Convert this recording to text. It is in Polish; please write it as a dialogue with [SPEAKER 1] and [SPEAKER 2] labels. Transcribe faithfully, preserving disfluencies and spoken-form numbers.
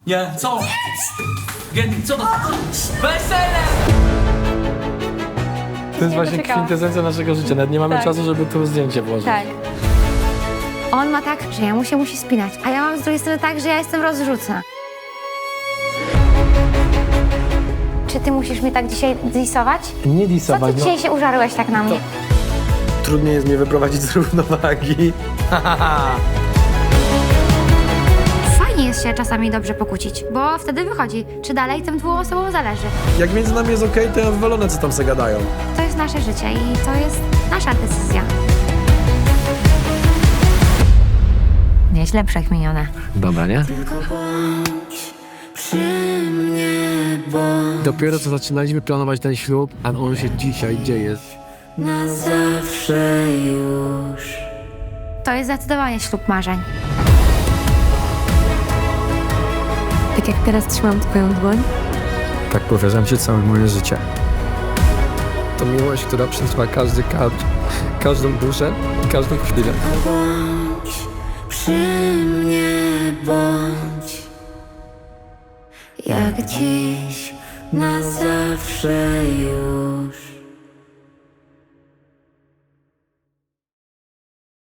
[SPEAKER 1] Nie, co? Gendy, co to? Wesele!
[SPEAKER 2] To jest właśnie
[SPEAKER 3] doczekałam.
[SPEAKER 2] kwintesencja naszego życia. Nawet nie mamy
[SPEAKER 3] Tak.
[SPEAKER 2] czasu, żeby tu zdjęcie włożyć.
[SPEAKER 3] Tak. On ma tak, że ja mu się musi spinać, a ja mam z drugiej strony tak, że ja jestem rozrzucna. Czy ty musisz mnie tak dzisiaj disować?
[SPEAKER 2] Nie
[SPEAKER 3] Co ty
[SPEAKER 2] disować, no.
[SPEAKER 3] dzisiaj się użarłeś tak na mnie?
[SPEAKER 2] Trudniej jest mnie wyprowadzić z równowagi.
[SPEAKER 3] Fajnie jest się czasami dobrze pokłócić, bo wtedy wychodzi, czy dalej tym dwóm osobom zależy.
[SPEAKER 2] Jak między nami jest okej, to ja wywalone, co tam se gadają.
[SPEAKER 3] To jest nasze życie i to jest nasza decyzja. Nieźle przekminione.
[SPEAKER 2] Dobra, nie? Dopiero co zaczynaliśmy planować ten ślub, a on się dzisiaj dzieje.
[SPEAKER 4] Na zawsze już.
[SPEAKER 3] To jest zdecydowanie ślub marzeń.
[SPEAKER 5] Tak jak teraz trzymam twoją dłoń,
[SPEAKER 2] Tak powierzam ci całe moje życie. To miłość, która przetrwa każdy kadr, każdą duszę i każdą chwilę.
[SPEAKER 4] Bądź przy mnie, bądź jak dziś, na zawsze już.